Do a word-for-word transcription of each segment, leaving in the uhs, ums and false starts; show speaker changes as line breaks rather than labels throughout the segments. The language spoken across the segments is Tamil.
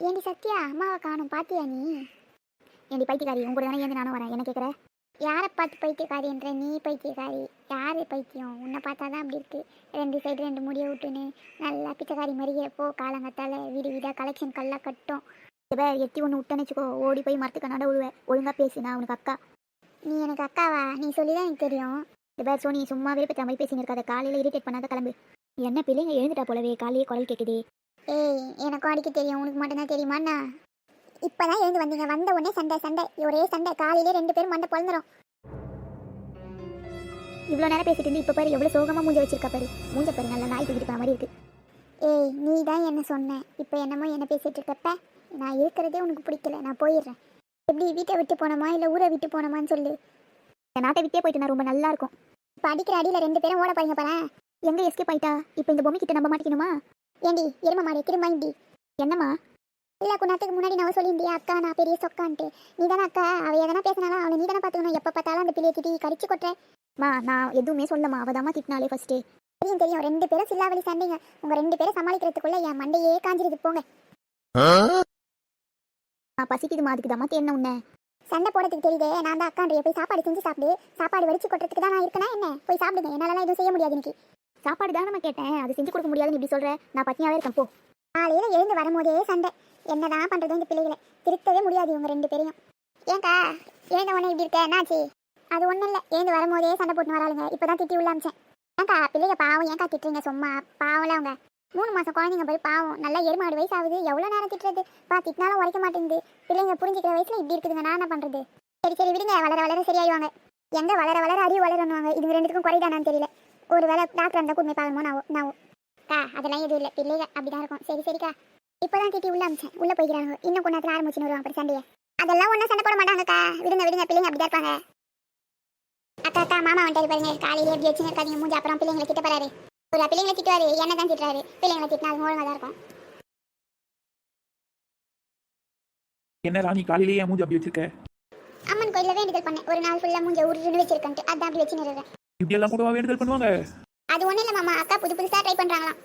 ஏண்டி சத்யா, அம்மாவை காணும் பாத்தியா நீ? ஏண்டி பைத்தியக்காரி, உங்க கூட தானே ஏந்து நானும் வரேன். என்ன கேட்குற? யாரை பார்த்து பைத்தியக்காரின்ற நீ? பைத்தியக்காரி யாரு பைத்தியம்? உன்னை பார்த்தா தான் அப்படி இருக்கு. ரெண்டு சைடு ரெண்டு முடியை விட்டுன்னு நல்லா பிச்சைக்காரி மாதிரியே போ. காலங்கத்தால வீடு வீடாக கலெக்ஷன் கல்லா கட்டும். இப்போ எத்தி ஒன்று விட்டேன்னு வச்சுக்கோ, ஓடி போய் மரத்துக்கு நட விழுவேன். ஒழுங்காக பேசு, நான் உனக்கு அக்கா. நீ எனக்கு அக்காவா? நீ சொல்லி தான் எனக்கு தெரியும். இப்போ சோனி சும்மாவே பற்றி மாதிரி பேசின்னு இருக்காத. காலையில் இரிட்டேட் பண்ணாத, கிளம்பு. என்ன பிள்ளைங்க எழுந்துட்டா போலவே, காலையே குரல் கேட்குது. ஏய், எனக்கும் அடிக்க தெரியும், உனக்கு மட்டும்தான் தெரியுமாண்ணா? இப்போதான் எழுந்து வந்தீங்க, வந்த உடனே சண்டை சண்டை ஒரே சண்டை. காலையிலே ரெண்டு பேரும் மண்டை பொழுந்துடும். இவ்வளோ நேரம் பேசிட்டு இருந்து இப்போ பாரு எவ்வளோ சோகமாக மூஞ்ச வச்சிருக்கா பாரு. மூஞ்ச பாரு நல்லா நாய் தூக்கிட்டு போகிற மாதிரி இருக்கு. ஏய், நீ தான் என்ன சொன்ன, இப்போ என்னமோ என்ன பேசிட்டு இருக்கப்ப. நான் இருக்கிறதே உனக்கு பிடிக்கல, நான் போயிடுறேன். எப்படி வீட்டை விட்டு போனோமா இல்லை ஊரை விட்டு போனோமான்னு சொல்லு. என் நாட்டை விட்டே போயிட்டு நான் ரொம்ப நல்லா இருக்கும். இப்போ அடிக்கிற அடியில் ரெண்டு பேரும் ஓட போறீங்க பாரு. எங்கே எஸ்கேப் ஆயிட்டா? இப்போ இந்த பொம்மை கிட்ட நம்ப மாட்டேங்கணுமா? ஏண்டி எரும மாடி திரும்ப இண்டி. என்னம்மா? இல்லை, குணத்துக்கு முன்னாடி நான் சொல்லியிருந்தியா அக்கா நான் பெரிய சொக்கான்ட்டு. நீ தானே அக்கா, அவள் எதனா பேசினாலும் அவளை நீ தானே பார்த்துக்கணும். எப்போ பார்த்தாலும் அந்த பிள்ளையை திட்டி கடிச்சு கொட்டுறேன். மா, நான் எதுவுமே சொல்லம்மா, அவள் தாம்மா திட்டினாலே ஃபஸ்ட்டு. தெரியும் தெரியும், ரெண்டு பேரும் சில்லாவளி சண்டைங்க. உங்கள் ரெண்டு பேரும் சமாளிக்கிறதுக்குள்ள என் மண்டையே காஞ்சிருது போங்க. ஆ, பசிக்குதுமா, அதுக்கு தாம்மா தேன உன்ன சண்டை போடுறதுக்கு தெரியுதே. நான் தான் அக்காண்டைய போய் சாப்பாடு செஞ்சு சாப்பிடு. சாப்பாடு வடிச்சு கொட்டுறதுக்கு தான் நான் இருக்கேனா என்ன? போய் சாப்பிடுங்க, என்னாலலாம் எதுவும் செய்ய முடியாது. இன்னைக்கு சாப்பாடு தான் நம்ம கேட்டேன், அது செஞ்சு கொடுக்க முடியாதுன்னு இப்படி சொல்கிறேன். நான் பத்தியாவே இருக்கேன் போ. காலையில் எழுந்து வரும்போதே சண்டை. என்னதான் பண்ணுறது இந்த பிள்ளைகளை? திருத்தவே முடியாது இவங்க ரெண்டு பேரையும். ஏன்க்கா எழுந்த உடனே இப்படி இருக்க, என்னாச்சு? அது ஒன்றும் இல்லை, எழுந்து வரும்போதே சண்டை போட்டு வராளுங்க. இப்போ தான் திட்டி உள்ள அமிச்சேன். ஏன்க்கா பிள்ளைங்க பாவம், ஏன்க்கா திட்டுறீங்க? சும்மா பாவம்ல அவங்க. மூணு மாதம் குழந்தைங்க போய் பாவம், நல்லா எருமாடு வயசு ஆகுது. எவ்வளோ நேரம் திட்டுறது? பா, திட்டினாலும் உரைக்க மாட்டேங்குது. பிள்ளைங்க புரிஞ்சிக்கிற வயசில் இப்படி இருக்குதுங்க, நான் என்ன பண்ணுறது? சரி சரி விடுங்க, வளர வளர சரியாயிடுவாங்க. எங்கே வளர வளர அறிவு வளரணுவாங்க. இதுங்க ரெண்டுத்துக்கும் குறைதானான்னு தெரியல. ஒரு வேலை டாக்டர் அந்த கூட்மை பார்க்கணுமோ நான் நான் கா அதெல்லாம் எதுவும் இல்லை, பிள்ளைங்க அப்படிதான் இருக்கும். சரி சரிக்கா, இப்போதான் திட்டி உள்ள அமிச்சேன். உள்ள போய்க்கிறாங்க. இன்னும் கொஞ்ச நேரத்தில் ஆரம்பிச்சுன்னு வருவாங்க அப்புறம் சண்டையை. அதெல்லாம் ஒன்றும் சண்டை போட மாட்டாங்கக்கா, விடுங்க விடுங்க, பிள்ளைங்க அப்படிதான் இருப்பாங்க. அக்கா அக்கா, மாமா வந்துட்டு பாருங்க. காலையிலே எப்படி வச்சுன்னு இருக்காதிங்க மூஞ்சி. அப்புறம் பிள்ளைங்களை திட்ட போறாரு. ஒரு பிள்ளைங்களை திட்டுவாரு, என்ன தான் திட்டுறாரு. பிள்ளைங்களை திட்டினா அது ஒழுங்காக தான் இருக்கும்.
என்ன ராணி, காலையிலேயே மூஞ்சி அப்படி வச்சிருக்க?
அம்மன் கோயிலில் வேண்டுதல் பண்ணேன், ஒரு நாள் ஃபுல்லாக மூஞ்ச உருன்னு வச்சிருக்கேன்ட்டு. அதான் அப்படி வச்சு நிறுறேன்.
இப்படி எல்லாம் கூடவா வேண்டுதல் பண்ணுவாங்க?
அது ஒன்றும் இல்லை மாமா, அக்கா புது புதுசாக ட்ரை பண்ணுறாங்களாம்.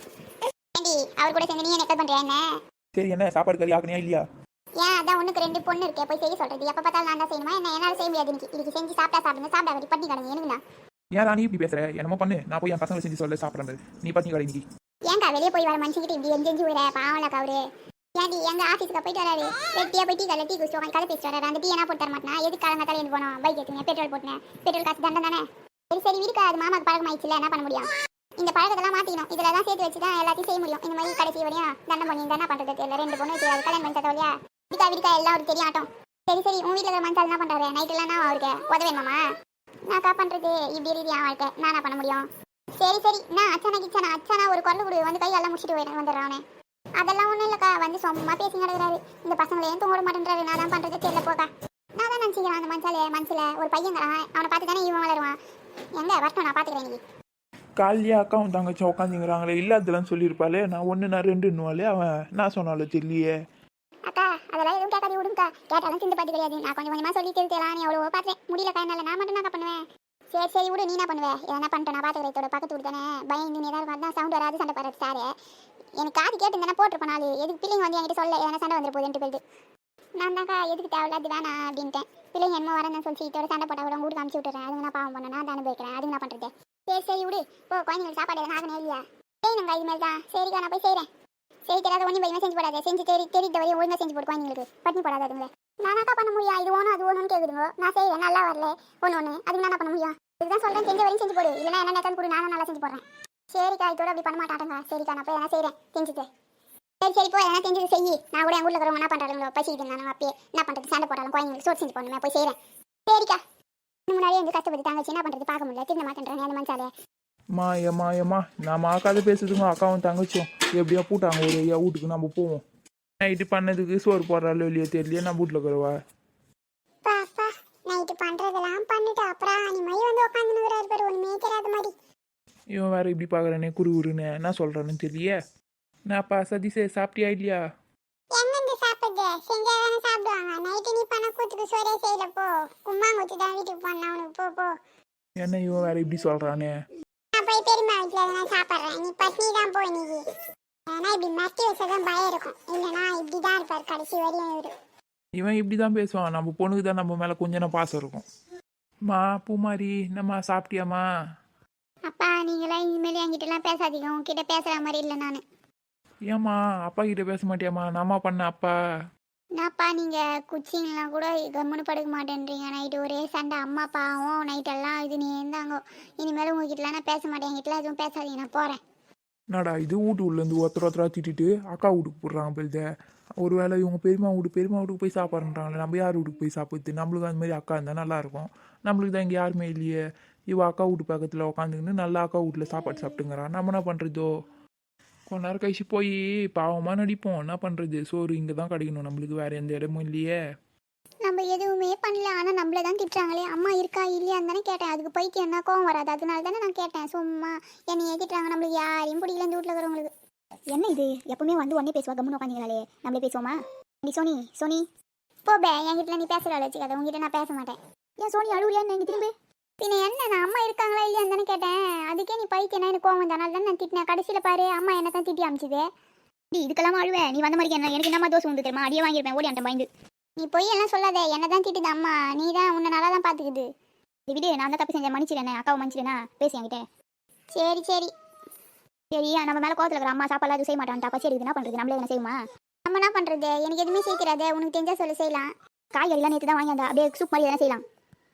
ஏண்டி அவர் கூட சேர்ந்து நீ என்ன பண்ணுறியா என்ன?
சரி, என்ன சாப்பாடு கறி ஆக்கணியா இல்லையா?
ஏன் அதான் ஒன்றுக்கு ரெண்டு பொண்ணு இருக்கே, போய் செய்ய சொல்கிறது. எப்போ பார்த்தாலும் நான் தான் செய்யணுமா என்ன? என்னால் செய்ய முடியாது. இன்னைக்கு இதுக்கு செஞ்சு சாப்பிட்டா சாப்பிடுங்க, சாப்பிட்டா கட்டி பட்டி கிடங்க. எனக்குண்ணா
ஏன் ராணி இப்படி பேசுற? என்னமோ பண்ணு, நான் போய் என் பசங்களை செஞ்சு சொல்ல சாப்பிட்றது. நீ பத்தி கடை இன்னைக்கு.
ஏன்க்கா வெளியே போய் வர மனுஷங்கிட்ட இப்படி எஞ்சி எஞ்சி விட பாவம்லக்கா அவரு. ஏன்டி எங்கள் ஆஃபீஸுக்கு போயிட்டு வராரு, டீயாக போய் டீ கல்ல டீ குடிச்சு உட்காந்து கதை பேசிட்டு வராரு. அந்த டீ என்ன போட்டு தர மாட்டேனா? எதுக்கு காலங்க தலையில் போனோம்? பைக் எடுத்துங்க, பெட்ரோல் போட்டுனேன். பெட்ரோல் காசு தண்டம் தானே. சரி சரி இருக்கா, அது மாமாக்கு பழக்கம் ஆயிடுச்சுல, என்ன பண்ண முடியும்? இந்த பழக்கத்தெல்லாம் மாற்றிக்கணும். இதில் தான் சேர்த்து வச்சு தான் எல்லாத்தையும் செய்ய முடியும். இந்த மாதிரி கடைசி வரையும் தண்டம் பண்ணி என்ன பண்ணுறது தெரியல. ரெண்டு பொண்ணு வச்சு கல்யாணம் பண்ணி தரவலையா? விடிக்கா விடிக்கா எல்லாம் ஒரு தெரிய ஆட்டம். சரி சரி, உன் வீட்டில் இருக்கிற மனுஷால் என்ன பண்ணுறாரு? நைட்டுலாம் நான் அவருக்கு உதவேணுமாமா? நான் கா பண்ணுறது இப்படி இருக்கு என் வாழ்க்கை. நான் என்ன பண்ண முடியும்? சரி சரி, நான் அச்சானா கிச்சானா அச்சானா ஒரு குரல் கொடு வந்து கை எல்லாம் முடிச்சுட்டு போயிட்டு வந்துடுறானே. அதெல்லாம் ஒன்றும் இல்லைக்கா, வந்து சும்மா பேசி நடக்கிறாரு. இந்த பசங்களை ஏன் தூங்க மாட்டேன்றாரு. நான் தான் பண்ணுறது தெரியல போக்கா. நான் தான் நினச்சிக்கிறேன் அந்த மனசாலே மனசில் ஒரு பையன் அவனை பார்த்து தானே இவன் வளருவான். எங்கே வரட்டும், நான் பார்த்துக்கிறேன். இன்னைக்கு
காலையே அக்காவும் தங்கச்சும் உட்காந்துங்கிறாங்களே, இல்லாதெல்லாம் சொல்லியிருப்பாளே. நான் ஒன்று நான் ரெண்டுன்னுவாலே, அவன் நான் சொன்னாலும் தெரியலையே.
அக்கா அதெல்லாம் எதுவும் கேட்காது, விடுங்கக்கா. கேட்டாலும் சிந்து பார்த்து கிடையாது. நான் கொஞ்சம் கொஞ்சமாக சொல்லி தெரிவித்தலாம். நீ எவ்வளோ பார்த்தேன், முடியலக்கா என்னால். நான் மட்டும் தான் பண்ணுவேன். சரி சரி விடு, நீ என்ன பண்ணுவேன்? எதனா பண்ணிட்டு நான் பார்த்துக்கிறேன். இதோட பக்கத்து விட்டு தானே பயந்து நீ ஏதாவது தான் சவுண்ட் வராது. சண்டை போடுறது சாரு எனக்கு காது கேட்டு தானே போட்டிருப்பேன். நாலு எதுக்கு பிள்ளைங்க வந்து என்கிட்ட சொல்ல எதனா சண்டை வந்துட்டு போகுதுன்ட்டு போயிட்டு நான் தான்க்கா எதுக்கு தேவையில்லாது வேணாம் அப்படின்ட்டேன். பிள்ளைங்க என்ன வரேன்னு சொல்லி இதோட சண்டை போட்டால் கூட உங்களுக்கு அனுப்பிச்சி விட்டுறேன். அதுக்கு நான் பாவம் பண்ணேன், நான் தான் அனுபவிக்கிறேன். அதுக்கு நான் பண்ணுறது. சரி சரி விடு, போ. குழந்தைங்களுக்கு சாப்பாடு எதனா ஆகணும் இல்லையா? செய்யணுங்க இது மாதிரி தான். சரிக்கா, நான் போய் செய்கிறேன். சரி தெரியாத ஒன்றும் பயமாக செஞ்சு போடாது. செஞ்சு தெரி தெரிந்த வரையும் ஒழுங்காக செஞ்சு போடு. குழந்தைங்களுக்கு பட்டினி போடாதுங்களே. நானாக்கா பண்ண முடியும்? இது ஒன்றும் அது ஒன்றுன்னு கேட்குதுங்க. நான் செய்கிறேன், நல்லா வரல ஒன்று ஒன்று. அதுக்கு நான் பண்ண முடியும்? இதுதான் சொல்கிறேன், செஞ்ச வரையும் செஞ்சு போடு. இல்லைனா என்ன நேரம் கொடு, நானும் நல்லா செஞ்சு போடுறேன். சரிக்கா, இதோட அப்படி பண்ண மாட்டாங்க. சரிக்கா, நான் போய் என்ன செய்கிறேன் செஞ்சுட்டு. சரி சரி, போய் என்ன செஞ்சது செய்யி. நான் கூட என் ஊரில் இருக்கிறவங்க என்ன பண்ணுறாங்களோ பசிக்குது. நான் அப்பயே என்ன பண்ணுறது? சண்டை போட்டாலும் குழந்தைங்களுக்கு சோறு செஞ்சு போடணுமே, போய் செய்கிறேன். சரிக்கா, முன்னாடியே எங்கள் கஷ்டப்பட்டு தாங்கச்சு என்ன பண்ணுறது? பார்க்க முடியல, திரும்ப மாட்டேன்றேன் அந்த மனசாலே.
மா ஏம்மா ஏம்மா, நான் மாக்காத பேசுறதுங்க. அக்காவும் தங்கச்சும் எப்படியா பூட்டாங்க ஒரு ஐயா வீட்டுக்கு. நம்ம போவோம். நைட்டு பண்ணதுக்கு சோறு போடுறாள் இல்லையோ தெரியலையே. நான் வீட்டில் இருக்கிறவா
பாப்பா நைட்டு பண்ணுறதெல்லாம் பண்ணிட்டு அப்புறம் நீ மை வந்து உட்காந்துனுக்குறாரு பேர் ஒன்றுமே தெரியாத மாதிரி.
இவன் வேற இப்படி பார்க்குறேனே குரு குருன்னு என்ன சொல்கிறான்னு தெரியலையே. நான்ப்பா சதீஷே, சாப்பிட்டியா இல்லையா?
எங்கேருந்து சாப்பிடுது? செஞ்சா தானே சாப்பிடுவாங்க. நைட்டு நீ பண்ண கூத்துக்கு சோறே செய்யல. போ, கும்மாங்குத்து தான் வீட்டுக்கு போனா அவனுக்கு. போ போ.
என்ன இவன் வேற இப்படி சொல்கிறானே?
நான் போய் பெரியம்மா வீட்டில் எதனா சாப்பிட்றேன். நீ பட்னி தான் போ இன்னைக்கு. ஏன்னா இப்படி மஸ்தி வச்சதான் பயம் இருக்கும். இல்லைனா இப்படி தான் பாரு கடைசி வரையும் இவரு.
இவன் இப்படி தான் பேசுவான். நம்ம பொண்ணுக்கு தான் நம்ம மேலே கொஞ்சம் நேரம் பாசம் இருக்கும். மா பூமாரி என்னம்மா சாப்பிட்டியாம்மா?
அப்பா நீங்களாம் இனிமேல் என்கிட்டலாம் பேசாதீங்க, உங்ககிட்ட பேசுகிற மாதிரி இல்லை நான்.
ஏம்மா அப்பா கிட்ட பேச மாட்டியாம்மா? நான்மா பண்ண அப்பா.
என்னப்பா நீங்கள் குச்சிங்கெலாம் கூட கம்முன்னு படுக்க மாட்டேன்றீங்க. நைட்டு ஒரே சண்டை, அம்மா பாவம் நைட்டெல்லாம் இது நீ இருந்தாங்க. இனிமேல் உங்ககிட்டலாம் நான் பேச மாட்டேன், என்கிட்டலாம் எதுவும் பேசாதீங்க, நான் போகிறேன்.
என்னடா இது வீட்டு உள்ளேருந்து ஒருத்தர் ஒருத்தரா திட்டிட்டு அக்கா வீட்டுக்கு போடுறாங்க போயிடுத. ஒரு வேளை இவங்க பெரியமா வீடு பெரியமா வீட்டுக்கு போய் சாப்பிட்றாங்களே, நம்ம யார் வீட்டுக்கு போய் சாப்பிடுது? நம்மளுக்கு அந்த மாதிரி அக்கா இருந்தால் நல்லாயிருக்கும். நம்மளுக்கு தான் இங்கே யாருமே இல்லையே. இவ அக்கா வீட்டு பக்கத்தில் உட்காந்துக்கின்னு நல்லா அக்கா வீட்டில் சாப்பாடு சாப்பிட்டுங்கிறான். நம்ம என்ன பண்ணுறதோ? கொஞ்ச நேரம் கழிச்சு போய் பாவமாக நடிப்போம். என்ன பண்ணுறது? சோறு இங்கே தான் கிடைக்கணும் நம்மளுக்கு, வேறு எந்த இடமும் இல்லையே.
நம்ம எதுவுமே பண்ணல, ஆனால் நம்மள தான் திட்டுறாங்களே. அம்மா இருக்கா இல்லையான்னு தானே கேட்டேன். அதுக்கு போயிட்டு என்ன கோவம் வராது, அதனால தானே நான் கேட்டேன். சும்மா என்னையே திட்டுறாங்க, நம்மளுக்கு யாரையும் பிடிக்கல இந்த வீட்டில் இருக்கிறவங்களுக்கு. என்ன இது எப்பவுமே வந்து உடனே பேசுவா, கம்முன்னு உட்காந்துங்களாலே. நம்மளே பேசுவோமா? நீ சோனி சோனி போபே, என்கிட்ட நீ பேசுகிறாள் வச்சுக்காத, உங்ககிட்ட நான் பேச மாட்டேன். ஏன் சோனி அழுவுறியான்னு எங்க திரும்பி? பின்ன என்ன, நான் அம்மா இருக்காங்களா இல்லையான்னு தானே கேட்டேன். அதுக்கே நீ பைத்தியம் எனக்கு கோவம் வந்தனால தான் நான் திட்டினேன். கடைசியில் பாரு அம்மா என்ன தான் திட்டி அமிச்சுது. நீ இதுக்கெல்லாம் அழுவேன், நீ வந்த மாதிரி என்ன எனக்கு என்னம்மா தோசை வந்து தெரியுமா? அடியே வாங்கியிருப்பேன் ஓடி அந்த பயந்து. நீ போய் எல்லாம் சொல்லாத, என்ன தான் திட்டுது அம்மா. நீ தான் உன்னை நல்லா தான் பார்த்துக்குது. இது விடு, நான் தான் தப்பு செஞ்சேன், மன்னிச்சிடனே. அக்காவை மன்னிச்சிடனா? பேசி என்கிட்ட. சரி சரி சரி நம்ம மேலே கோவத்தில் இருக்கிற அம்மா சாப்பாடு எதுவும் செய்ய மாட்டான்ட்டா. பசி எடுக்குது, என்ன பண்ணுறது? நம்மளே என்ன செய்யுமா? நம்ம என்ன பண்ணுறது? எனக்கு எதுவுமே செய்யறாது, உனக்கு தெரிஞ்சா சொல்லி செய்யலாம். காய்கறிலாம் நேற்று தான் வாங்கி அந்த அப்படியே சூப் மாதிரி எதனா செய்யலாம்.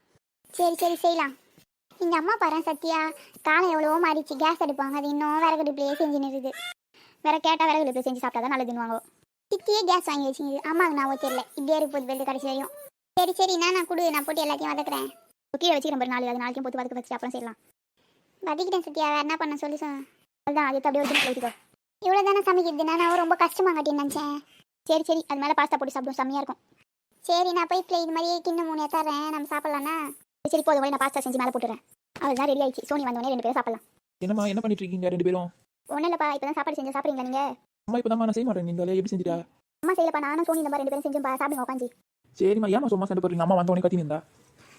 சரி சரி செய்யலாம். இந்த அம்மா பாரு சத்யா, காலம் எவ்வளவோ மாறிச்சு. கேஸ் எடுப்பாங்க, அது இன்னும் விறகு அடுப்புலையே செஞ்சு நிறுது. வேற கேட்டால் விறகு அடுப்பு செஞ்சு சாப்பிட்டா தான் நல்லதுன்னுவாங்க. சித்தியே கேஸ் வாங்கி வச்சுங்க. அம்மாவுக்கு நான் தெரியல, இப்படியே இருக்கு போது வெளியே கடைசி வரையும். சரி சரி நான் நான் கொடு, நான் போட்டு எல்லாத்தையும் வதக்குறேன். கீழே வச்சுக்கிறேன் பாரு, நாலு அது நாளைக்கும் போட்டு வதக்க வச்சு அப்புறம் செய்யலாம். வதக்கிட்டேன் சத்யா, வேறு என்ன பண்ண சொல்லி சொன்னேன். அதுதான் அது அப்படியே ஒரு வச்சுக்கோ. இவ்வளோ தானே சமைக்கிறது, நான் ரொம்ப கஷ்டமாக காட்டின்னு நினச்சேன். சரி சரி அது மேலே பாஸ்தா போட்டு சாப்பிடும், செம்மையாக இருக்கும். சரி நான் போய் இது மாதிரியே கிண்ணம் மூணு தரேன், நம்ம சாப்பிட்லான்னா? சரி போதும் வழி, நான் பாஸ்தா செஞ்சு மேலே போட்டுறேன். அவள் தான் ரெடி ஆயிடுச்சு. சோனி வந்தோடனே ரெண்டு பேரும் சாப்பிடலாம்.
என்னம்மா என்ன பண்ணிட்டு இருக்கீங்க ரெண்டு பேரும்?
ஒன்றும் இல்லைப்பா, இப்போ தான் சாப்பாடு செஞ்சு சாப்பிட்றீங்களா நீங்கள்?
அம்மா இப்போ தான் நான் செய்ய மாட்டேன். நீங்களே எப்படி செஞ்சுட்டா?
அம்மா செய்யலப்பா, நானும் சோனி இந்த மாதிரி ரெண்டு பேரும் செஞ்சு சாப்பிடுங்க உட்காந்து.
சரிம்மா, ஏமா சும்மா சண்டை போடுறீங்க? அம்மா வந்தோடனே கத்தி நின்றா.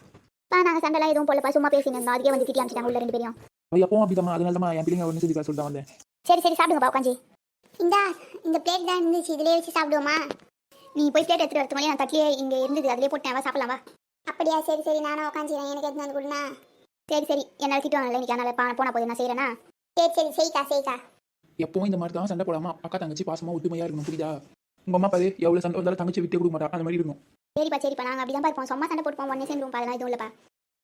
பா நாங்கள் சண்டைலாம் எதுவும் போடலப்பா, சும்மா பேசினோம். அதுக்கே வந்து திட்டி அமிச்சிட்டாங்க உள்ள ரெண்டு பேரும்.
அவள் எப்பவும் அப்படிதாம்மா, அதனால தான் என் பிள்ளைங்க ஒன்று செஞ்சுக்கா சொல்லிட்டு வந்தேன்.
சரி சரி சாப்பிடுங்கப்பா உட்காந்து. இந்தா இந்த பிளேட் தான் இருந்துச்சு, இதிலே வச்சு சாப்பிடுவோமா? நீ போய் பிளேட் எடுத்துகிட்டு வரது மாதிரி நான் தட்டிலே இங்கே இருந்தது, அதிலே போட்டேன். வா சாப்பிடலாம் வா. அப்படியா? சரி சரி நானும் உட்காந்துக்கிறேன், எனக்கு எடுத்து வந்து கொடுண்ணா. சரி சரி என்னால் திட்டுவாங்கல்ல இன்னைக்கு, அதனால் போனால் போது நான் செய்கிறேன்னா? சரி சரி செய்க்கா செய்க்கா.
எப்பவும் இந்த மாதிரி தான் சண்டை போடாம அக்கா தங்கச்சி பாசமா ஒத்துமையா இருக்கணும், புரியுதா? உங்க அம்மா பாரு எவ்வளவு சண்டை வந்தாலும் தங்கச்சி விட்டு கொடுக்க மாட்டா, அந்த மாதிரி இருக்கணும்.
சரிப்பா சரிப்பா, நாங்கள் அப்படி தான் இருப்போம். சும்மா சண்டை போட்டுப்போம், ஒன்னே சேர்ந்துருவோம். அதெல்லாம் எதுவும் இல்லைப்பா.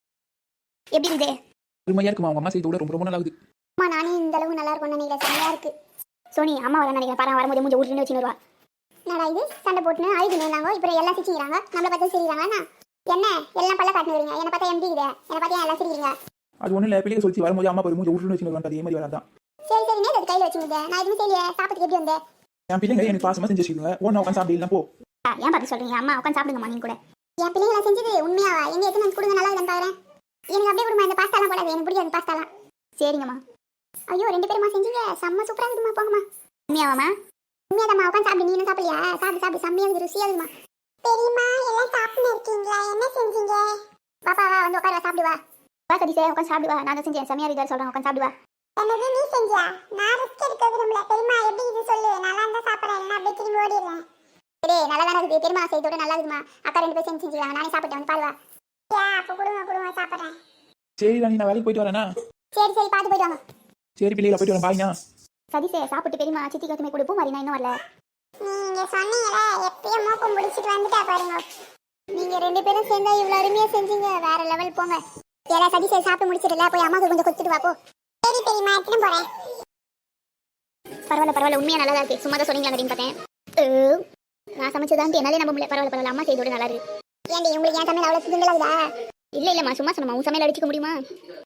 எப்படி இருக்குது?
உண்மையா இருக்குமா? உங்க அம்மா செய்த விட ரொம்ப ரொம்ப நல்லா இருக்குது.
அம்மா நானே இந்த அளவுக்கு நல்லா இருக்கும்னு நினைக்கிறேன், செம்மையா இருக்கு. சோனி அம்மா வர நினைக்கிறேன், பாரு வரும்போது மூஞ்சி ஊற்றி வச்சு வருவா. என்னடா இது சண்டை போட்டுன்னு அழுதுன்னு இருந்தாங்க, இப்போ எல்லாம் சிரிச்சுக்கிறாங்க. நம்மளை பார்த்தா சிரிக்கிறாங்கண்ணா என்ன? எல்லாம் பல்ல காட்டுறீங்க, என்னை பார்த்தா எப்படி இருக்குது? என்னை பார்த்தா எல்லாம் சிரிக்கிறீங்க.
அது ஒன்றும் இல்லை, பிள்ளைங்க சொல்லி வரும்போது அம்மா பாரு மூஞ்சி ஊற்றி வச்சு வருவாங்க, அதே மாதிரி வராதான்.
சரி சரி நேற்று கையில் வச்சுங்க, நான் எதுவும் செய்யலையே. சாப்பிட்டு எப்படி வந்தேன்?
என் பிள்ளைங்க எனக்கு பாசமா செஞ்சு வச்சுக்கோங்க. ஒன்று உட்காந்து சாப்பிடலாம் போ.
ஏன் பார்த்து சொல்றீங்க? அம்மா உட்காந்து சாப்பிடுங்கம்மா நீங்க கூட. என் பிள்ளைங்கள செஞ்சது உண்மையாவா? எங்க எத்தனை வந்து கொடுங்க, நல்லா இல்லைன்னு பாக்குறேன். எனக்கு அப்படியே கொடுமா, இந்த பாஸ்தாலாம் போடாது, எனக்கு பிடிக்காது பாஸ்தாலாம். சரிங்கம்மா. ஐயோ ரெண்டு பேருமா செஞ்சீங்க, செம்ம சூப்பரா இருக்குமா. போங்கம்மா. உண்மையாவாம்மா? உண்மையாதாம்மா, உட்காந்து சாப்பிடு. நீ என்ன சாப்பிடலையா? சாப்பிடு சாப்பிடு, செம்மையா இருக்குது, ருசியா இருக்குமா. பெரியம்மா எல்லாம் சாப்பிட்டு இருக்கீங்களா? என்ன செஞ்சீங்க? பாப்பா வா வந்து உட்கார, சாப்பிடுவா. வா சதீஷே உட்காந்து சாப்பிடுவா. நான் தான் செஞ்சேன், செம்மையா இருக்குதா சொல்றேன், உட்காந்து சாப்பிடுவா. என்னது நீ செஞ்சியா? நான் ரிஸ்க் எடுக்க விரும்பல. பெரியம்மா எப்படி இது சொல்லு, நல்லா இருந்தா சாப்பிட்றேன், இல்லைன்னா அப்படியே திரும்பி ஓடிடுறேன். சரி நல்லா தானே இருக்குது, பெரியம்மா செய்தோட நல்லா இருக்குமா. அக்கா ரெண்டு பேரும் செஞ்சு செஞ்சுருவாங்க, நானே சாப்பிட்டேன், வந்து பாருவா. அப்போ கொடுங்க கொடுங்க, சாப்பிட்றேன்.
சரி ராணி, நான் வேலைக்கு போயிட்டு வரேனா?
சரி சரி பார்த்து போயிட்டு வாங்க.
சரி பிள்ளைகளை போயிட்டு வரேன், பாய்னா.
சதீஷே சாப்பிட்டு பெரியம்மா சித்தி கத்துமே கொடுப்போம் மாதிரி, நான் இன்னும் வரல. நீங்க சொன்னீங்களே எப்பயும் மோப்பம் முடிச்சிட்டு வந்துட்டா பாருங்க. நீங்க ரெண்டு பேரும் சேர்ந்தா இவ்வளவு அருமையா செஞ்சீங்க, வேற லெவல் போங்க. ஏடா சதீஷே சாப்பிட்டு முடிச்சிடல, போய் அம்மாவுக்கு கொஞ்சம் கொடுத்துட்டு வா போ. சரி பெரியம்மா எடுத்துட்டு போறேன். பரவாயில்ல பரவாயில்ல, உண்மையா நல்லா இருக்கு. சும்மா தான் சொன்னீங்களா அப்படின்னு பார்த்தேன். நான் சமைச்சதான்ட்டு என்னாலே நம்ப முடியல. பரவாயில்ல பரவாயில்ல, அம்மா செய்தோட நல்லா இருக்கு. ஏன்டி உங்களுக்கு என் சமையல் அவ்வளவு சிங்கிளாகுதா? இல்ல இல்லம்மா சும்மா சொன்னமா, உன் சமையல் அடிச்சுக்க முடியுமா?